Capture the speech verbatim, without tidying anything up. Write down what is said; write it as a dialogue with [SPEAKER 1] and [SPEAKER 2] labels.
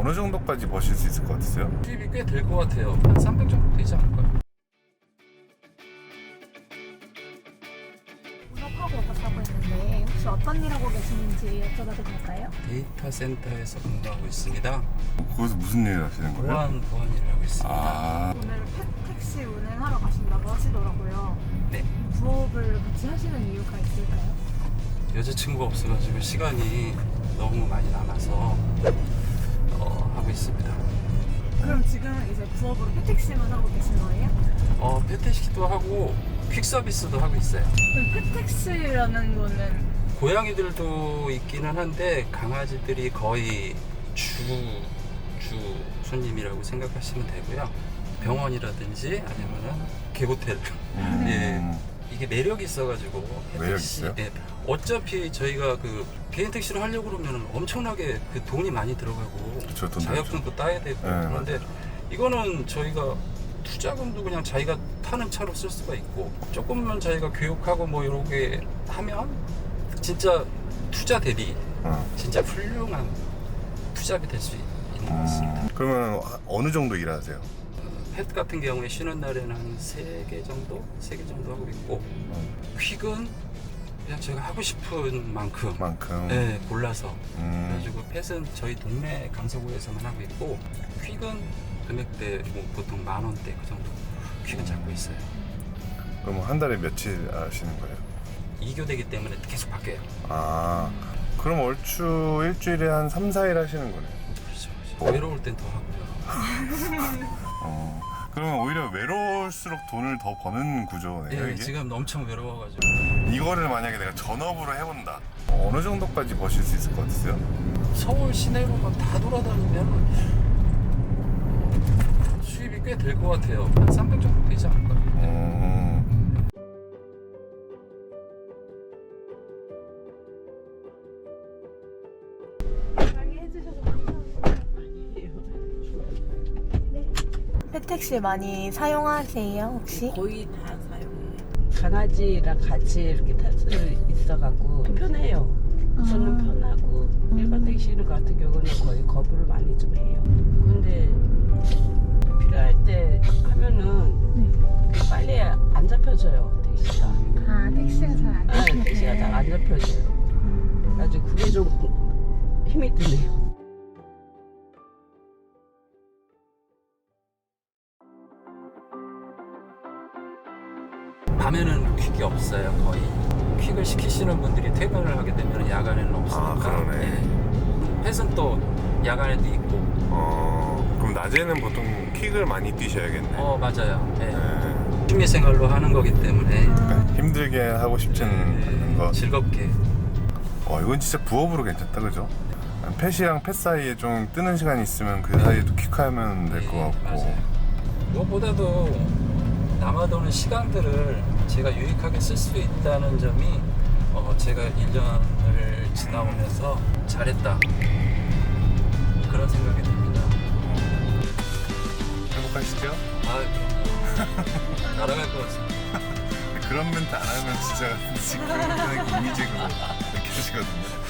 [SPEAKER 1] 어느 정도까지 버실 수 있을 것 같으세요?
[SPEAKER 2] 수입이 꽤 될 것 같아요. 한 삼백 정도 되지 않을까요?
[SPEAKER 3] 본업하고 업하고 있는데 혹시 어떤 일 하고 계시는지 여쭤봐도 될까요?
[SPEAKER 2] 데이터 센터에서 근무하고 있습니다.
[SPEAKER 1] 거기서 무슨 일을 하시는 거예요?
[SPEAKER 2] 보안 보안 일을 하고 있습니다.
[SPEAKER 1] 아,
[SPEAKER 3] 오늘 펫 택시 운행하러 가신다고 하시더라고요.
[SPEAKER 2] 네.
[SPEAKER 3] 부업을 같이 하시는 이유가 있을까요?
[SPEAKER 2] 여자친구가 없어가지고 시간이 너무 많이 남아서 어, 하고 있습니다.
[SPEAKER 3] 그럼 지금 이제 부업으로 펫 택시만 하고 계신 거예요?
[SPEAKER 2] 어, 펫테시도 하고 퀵 서비스도 하고 있어요.
[SPEAKER 3] 그럼 펫 택시라는 거는
[SPEAKER 2] 고양이들도 있기는 한데 강아지들이 거의 주, 주 손님이라고 생각하시면 되고요. 병원이라든지 아니면은 개호텔.
[SPEAKER 1] 음.
[SPEAKER 2] 예. 이게 매력이 있어가지고
[SPEAKER 1] 매력
[SPEAKER 2] 택시,
[SPEAKER 1] 있어요?
[SPEAKER 2] 예. 어차피 저희가 그 개인 택시를 하려고 그러면 엄청나게 그 돈이 많이 들어가고
[SPEAKER 1] 그쵸, 돈
[SPEAKER 2] 자격증도 따야 되고
[SPEAKER 1] 네,
[SPEAKER 2] 그런데 이거는 저희가 투자금도 그냥 자기가 타는 차로 쓸 수가 있고 조금만 자기가 교육하고 뭐 이렇게 하면 진짜 투자 대비
[SPEAKER 1] 어.
[SPEAKER 2] 진짜 훌륭한 투자비 될 수 있는 것 같습니다.
[SPEAKER 1] 음, 그러면 어느 정도 일하세요?
[SPEAKER 2] 펫 같은 경우에 쉬는 날에는 한 세 개 정도? 세 개 정도 하고 있고 퀵은 그냥 제가 하고 싶은 만큼
[SPEAKER 1] 만큼.
[SPEAKER 2] 네, 골라서
[SPEAKER 1] 음.
[SPEAKER 2] 그래가지고 펫은 저희 동네 강서구에서만 하고 있고 퀵은 금액대 뭐 보통 만 원대 그 정도 퀵은 잡고 있어요.
[SPEAKER 1] 그럼 한 달에 며칠 하시는 거예요?
[SPEAKER 2] 이 교대기 때문에 계속 바뀌어요.
[SPEAKER 1] 아, 그럼 얼추 일주일에 한 삼, 사 일 하시는 거네요.
[SPEAKER 2] 그렇죠. 그렇죠. 외로울 땐 더 하고요.
[SPEAKER 1] 어, 그러면 오히려 외로울수록 돈을 더 버는 구조네요,
[SPEAKER 2] 네,
[SPEAKER 1] 이게?
[SPEAKER 2] 지금 엄청 외로워가지고
[SPEAKER 1] 이거를 만약에 내가 전업으로 해본다. 어느 정도까지 버실 수 있을 것 같으세요?
[SPEAKER 2] 서울 시내로만 다 돌아다니면 수입이 꽤 될 것 같아요. 한 삼백 정도 되지 않을까요?
[SPEAKER 1] 음.
[SPEAKER 3] 해주셔서 감사합니다. 네. 펫 택시 많이 사용하세요 혹시?
[SPEAKER 4] 거의 다 사용해요. 강아지랑 같이 이렇게 탈 수 있어갖고 편해요. 저는 편하고 일반 택시 같은 경우는 거의 거부를 많이 좀 해요. 근데 필요할 때 하면은 빨리 안 잡혀져요 택시가.
[SPEAKER 3] 아 택시가 잘 안
[SPEAKER 4] 아,
[SPEAKER 3] 잡히네.
[SPEAKER 4] 택시가 잘 안 잡혀져요. 아주 그게 좀 힘이 드네요.
[SPEAKER 2] 밤에는 퀵이 없어요. 거의 퀵을 시키시는 분들이 퇴근을 하게 되면 야간에는 없으니까.
[SPEAKER 1] 아, 그러네.
[SPEAKER 2] 예. 펫은 또 야간에도 있고.
[SPEAKER 1] 어, 그럼 낮에는 보통 킥을 많이 뛰셔야겠네.
[SPEAKER 2] 어 맞아요. 예.
[SPEAKER 1] 네.
[SPEAKER 2] 취미생활로 하는 거기 때문에
[SPEAKER 1] 그러니까 힘들게 하고 싶지는 않은 거.
[SPEAKER 2] 즐겁게.
[SPEAKER 1] 어, 이건 진짜 부업으로 괜찮다, 그죠? 펫이랑 펫 사이에 좀 뜨는 시간이 있으면 그 사이에도 퀵하면 될 것
[SPEAKER 2] 예,
[SPEAKER 1] 같고.
[SPEAKER 2] 맞아요. 무엇보다도 남아도는 시간들을 제가 유익하게 쓸 수 있다는 점이 어, 제가 일 년을 지나오면서 잘했다 그런 생각이 듭니다.
[SPEAKER 1] 행복하시죠?
[SPEAKER 2] 아, 그럼요. 날아갈 것 같습니다.
[SPEAKER 1] 그런 멘트 안 하면 진짜 지금 이미지가 느껴지거든요.